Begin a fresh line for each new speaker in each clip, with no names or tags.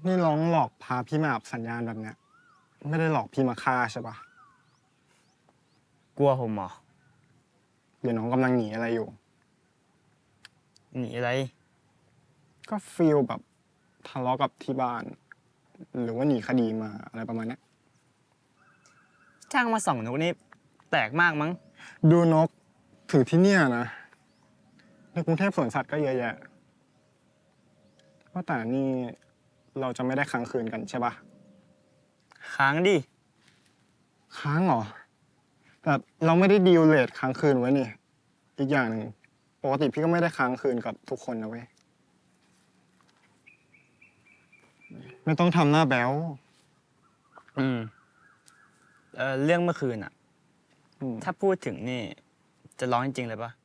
นี่ร้องหลอกพาพี่มาอับสัญญาณแบบเนี้ยไม่ได้หลอกพี่มาฆ่าใช่ปะ
กลัวผมเหรอ
หรือน้องกำลังหนีอะไรอยู่
หนีอะไร
ก็ฟีลแบบทะเลาะกับที่บ้าน หรือว่าหนีคดีมาอะไรประมาณเนี้ย
จ้างมาส่องนกนี่แปลกมากมั้ง
ดูนกถือที่เนี่ยนะในกรุงเทพสวนสัตว์ก็เยอะแยะว่าแต่นี่เราจะไม่ได้ค้างคืนกันใช่ปะ
ค้างดิ
ค้างเหรอแต่เราไม่ได้ดีลเลทค้างคืนไว้นี่อีกอย่างหนึ่งปกติพี่ก็ไม่ได้ค้างคืนกับทุกคนนะเว้ยไม่ต้องทำหน้าแบ๊ว
อืมเรื่องเมื่อคืนอะถ้าพูดถึงนี่จะร้องจริงๆเลยปะ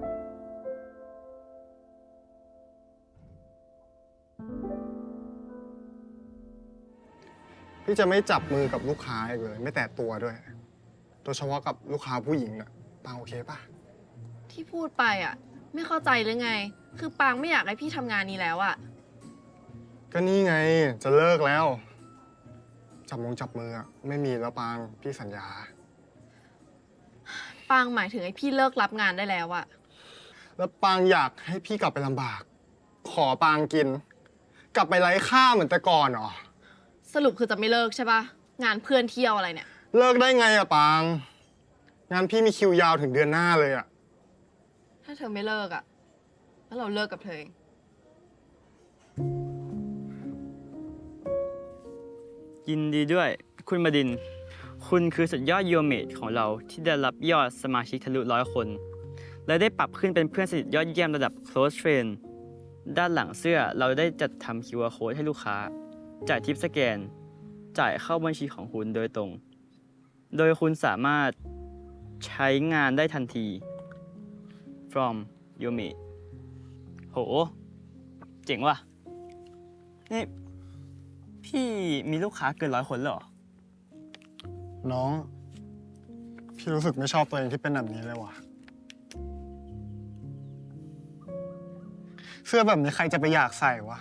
พี่จะไม่จับมือกับลูกค้าอีกเลยไม่แตะตัวด้วยโดยเฉพาะกับลูกค้าผู้หญิงน่ะปางโอเคปะ
ที่พูดไปอ่ะ ไม่เข้าใจหรือไง คือปางไม่อยากให้พี่ทำงานนี้แล้วอ่ะ
ก็นี่ไงจะเลิกแล้วจับมืออะไม่มีแล้วปางพี่สัญญา
ปางหมายถึงให้พี่เลิกรับงานได้แล้วอ่ะ
แล้วปางอยากให้พี่กลับไปลำบากขอปางกินกลับไปไร้ค่าเหมือนแต่ก่อนเหรอ
สรุปคือจะไม่เลิกใช่ปะงานเพื่อนเที่ยวอะไรเนี่ย
เลิกได้ไงอะปางงานพี่มีคิวยาวถึงเดือนหน้าเลยอะ
ถ้าเธอไม่เลิกอ่ะแล้วเราเลิกกับเธอเอง
ยินดีด้วยคุณบดินทร์คุณคือสุดยอดยูเมทของเราที่ได้รับยอดสมาชิกทะลุ100 คน และได้ปรับขึ้นเป็นเพื่อนสนิทยอดเยี่ยมระดับ close friend ด้านหลังเสื้อเราได้จัดทำ QR code ให้ลูกค้าจ่ายทิปสแกนจ่ายเข้าบัญชีของคุณโดยตรงโดยคุณสามารถใช้งานได้ทันที from y o m i โหเจ๋งว่ะนี่พี่มีลูกค้าเกิน100 คนเลยเหรอ
น้องพี่รู้สึกไม่ชอบตัวเองที่เป็นแบบนี้เลยว่ะเสื้อแบบนี้ใครจะไปอยากใส่วะ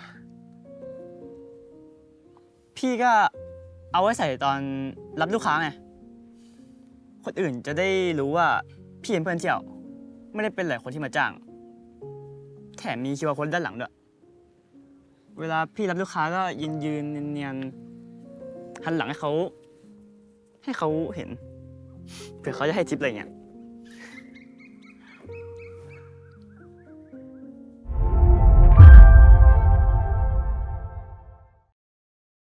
พี่ก็เอาไว้ใส่ตอนรับลูกค้าไงคนอื่นจะได้รู้ว่าพี่เป็นเพื่อนเที่ยวไม่ได้เป็นหลายคนที่มาจ้างแถมมีคิวอาร์โค้ดด้านหลังด้วยเวลาพี่รับลูกค้าก็ยืนเนียนๆหันหลังให้เขาเห็นเผื่อเขาจะให้ทิปอะไรเงี้ย